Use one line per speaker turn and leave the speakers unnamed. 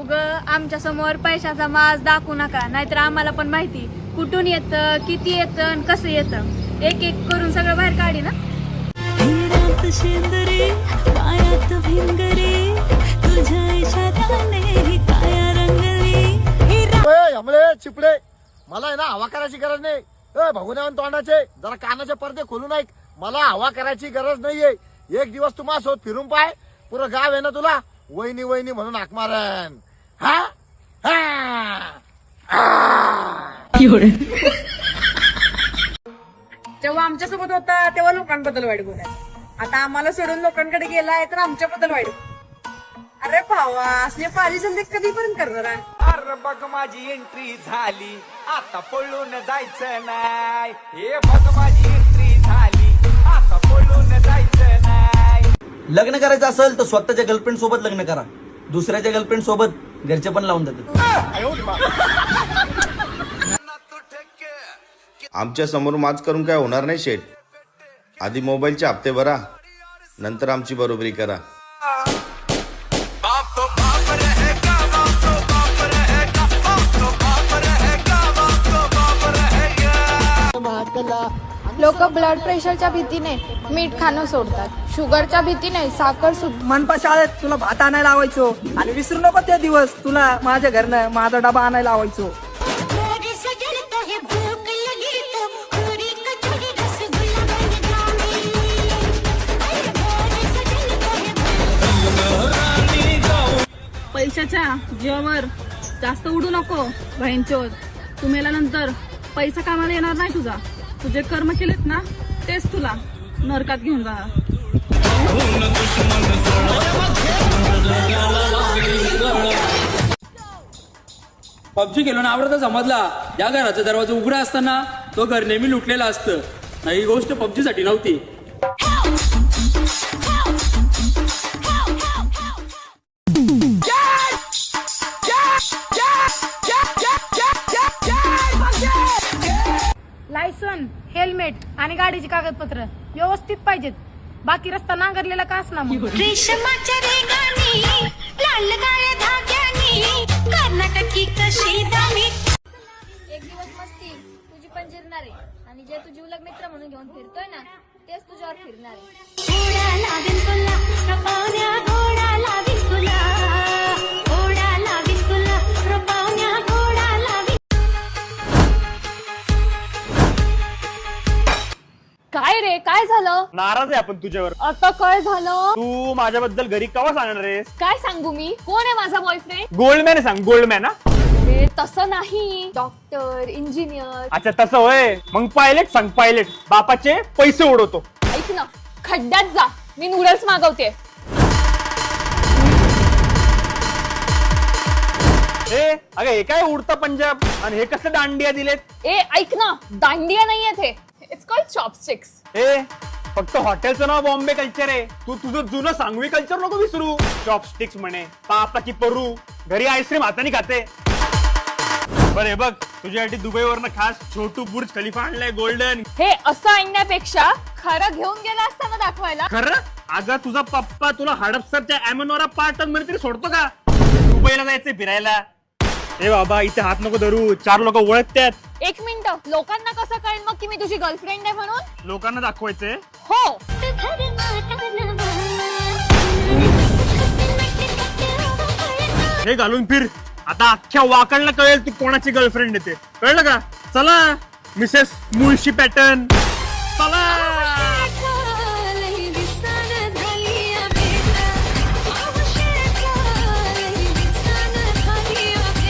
उग आमच्या समोर पैशाचा माज दाखवू नका, नाहीतर आम्हाला पण माहिती कुठून येतं, किती येतं आणि कसं येतं. एक एक करून सगळं बाहेर काढी ना.
चिपडे मला आहे ना हवा करायची गरज नाही. भगुन्यावन तोंडाचे जरा कानाचे पडदे खोलून ऐक. मला हवा करायची गरज नाहीये. एक दिवस तू माझ्यासोबत फिरून पाय, पुरं गाव आहे ना तुला वहिनी वहिनी म्हणून हाक मारन. हा
जेव्हा आमच्यासोबत होता तेव्हा लोकांबद्दल वाईट बोलायचं, आता आम्हाला सोडून लोकांकडे गेलाय तर आमच्याबद्दल वाईट. अरे भावा, असले पाली संधी कधीपर्यंत करणार आहे?
अरे बघ माझी एंट्री झाली, आता पळून जायचं नाही. हे बघ माझी एंट्री झाली, आता पळून जायचं नाही.
लग्न करायचं असेल तर स्वतःच्या गर्लफ्रेंड सोबत लग्न करा. दुसऱ्याच्या गर्लफ्रेंड सोबत घरचे पण लावून देतात.
आमच्या समोर माज करून काय होणार नाही शेठ. आधी मोबाईलचे हप्ते भरा, नंतर आमची बरोबरी करा.
लोक ब्लड प्रेशरच्या भीतीने मीठ खाणं सोडतात, शुगरच्या भीतीने साखर सुद्धा.
मनपा शाळेत तुला भात आणायला लावायचो आणि विसरू नको ते दिवस तुला माझ्या घरनं माझा डबा आणायला लावायचो.
पैशाच्या जीवावर जास्त उडू नको बहिणचोद. तू मेल्यानंतर पैसा कामाला येणार नाही तुझा. तुझे कर्म केलेत ना तेच तुला नरकात घेऊन जाणार.
पबजी खेळून आवडता समजला. या घराचा दरवाजा उघडा असताना तो घर नेहमी लुटलेला असतं. ही गोष्ट पबजी साठी नव्हती.
लायसन, हेल्मेट आणि गाडीची कागदपत्र व्यवस्थित पाहिजेत. बाकी रस्ता नांगरलेला का असणार मग.
रेशमाच्या रेगानी लाल काळ्या धाग्यानी कर्नाटकी कशी दामी.
एक दिवस मस्ती तुझी पण जिरणार आहे आणि जे तू जीवलग मित्र म्हणून घेऊन फिरतोय ना तेच तुझ्यावर फिरणार आहे.
घोडा लावीन तुला रपावण्या, घोडा लावीन तुला, घोडा लावीन तुला रपावण्या, घोडा लावीन.
काय रे, काय झालं?
नाराज आहे आपण तुझ्यावर.
आता काय झालं?
तू माझ्याबद्दल घरी केव्हा सांगणार आहेस?
काय सांगू मी? कोण आहे माझा बॉयफ्रेंड?
गोल्डमॅन आहे, सांग. गोल्डमॅन.
अरे तसं नाही, डॉक्टर, इंजिनियर.
अच्छा तसं होय. मग पायलट सांग. पायलट बापाचे पैसे उडवतो.
ऐक ना, खड्ड्यात जा, मी नूडल्स मागवते.
अगं हे काय उडतं पंजाब आणि हे कसं दांडिया दिलेत?
ए ऐक ना, दांडिया नाहीये ते. It's called chopsticks.
फक्त हॉटेलचं नाव बॉम्बे कल्चर आहे. तू तुझं जुनं सांगवी कल्चर नको विसरू. चॉपस्टिक्स म्हणे, पापा की परू. घरी आईस्क्रीम हाताने खाते. बरे बघ, तुझ्यासाठी दुबईवरनं खास छोटू बुर्ज खलिफा आणलाय गोल्डन.
हे असं आणण्यापेक्षा खरं घेऊन गेला असताना दाखवायला.
खरं? अगं तुझा पप्पा तुला हडपसरच्या अॅमोनोरा पार्टन मध्ये तरी सोडतो का? दुबईला जायचंय फिरायला. ए बाबा, इथे हात नको धरू. 4 लोक ओळखतात.
एक मिनिट, लोकांना कसं कळेल मग की मी तुझी गर्लफ्रेंड आहे म्हणून?
लोकांना दाखवायचंय.
हो.
हे घालून फिर. आता अख्ख्या वाकडला कळेल तू कोणाची गर्लफ्रेंड येते. कळलं का? चला मिसेस मुळशी पॅटर्न, चला.